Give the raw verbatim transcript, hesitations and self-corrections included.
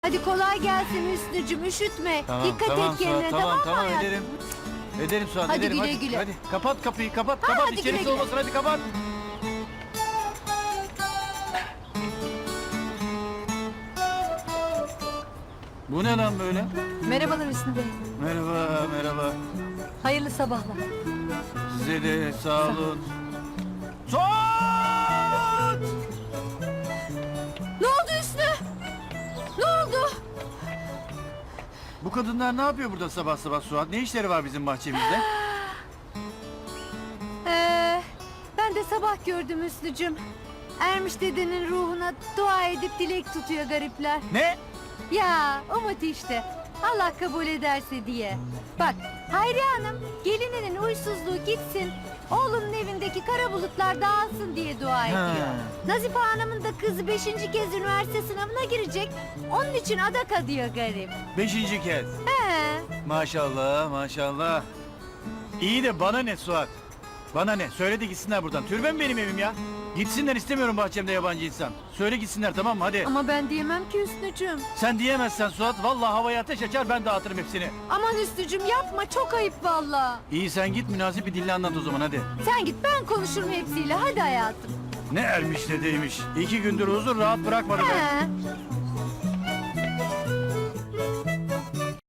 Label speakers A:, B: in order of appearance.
A: Hadi kolay gelsin Hüsnücüm, üşütme.
B: Tamam,
A: Dikkat
B: tamam,
A: et kendine,
B: Suat,
A: tamam,
B: tamam,
A: mı hayatım?
B: ederim. Ederim Suat,
A: Hadi
B: ederim.
A: güle
B: hadi,
A: güle.
B: hadi kapat kapıyı, kapat,
A: Ha,
B: kapat.
A: hadi
B: İçerisi
A: güle güle.
B: olmasın, hadi kapat. Bu ne lan böyle?
A: Merhabalar Hüsnü Bey.
B: Merhaba, merhaba.
A: Hayırlı sabahlar.
B: Size de sağ olun. Suat!
A: Ne oldu Hüsnü? Ne oldu?
B: Bu kadınlar ne yapıyor burada sabah sabah Suat? Ne işleri var bizim bahçemizde?
A: Ee, ben de sabah gördüm Hüsnücüm. Ermiş dedenin ruhuna dua edip dilek tutuyor garipler.
B: Ne?
A: Ya umut işte. Allah kabul ederse diye. Bak Hayriye Hanım gelininin uysuzluğu gitsin. Oğlunun evindeki kara bulutlar dağılsın diye dua ediyor. Nazife Hanım'ın da kızı beşinci kez üniversite sınavına girecek. Onun için adak adıyor garip.
B: Beşinci kez.
A: He.
B: Maşallah, maşallah. İyi de bana ne Suat? Bana ne? Söyle de gitsinler buradan. Türbe mi benim evim ya? Gitsinler, istemiyorum bahçemde yabancı insan. Söyle gitsinler, tamam mı? Hadi.
A: Ama ben diyemem ki Hüsnücüm.
B: Sen diyemezsen Suat, vallahi havaya ateş açar, ben dağıtırım hepsini.
A: Aman Hüsnücüm yapma, çok ayıp valla.
B: İyi, sen git, münasip bir dille anlat o zaman, hadi.
A: Sen git, ben konuşurum hepsiyle, hadi hayatım.
B: Ne ermiş ne değmiş. İki gündür huzur rahat bırakmadı be.
A: He.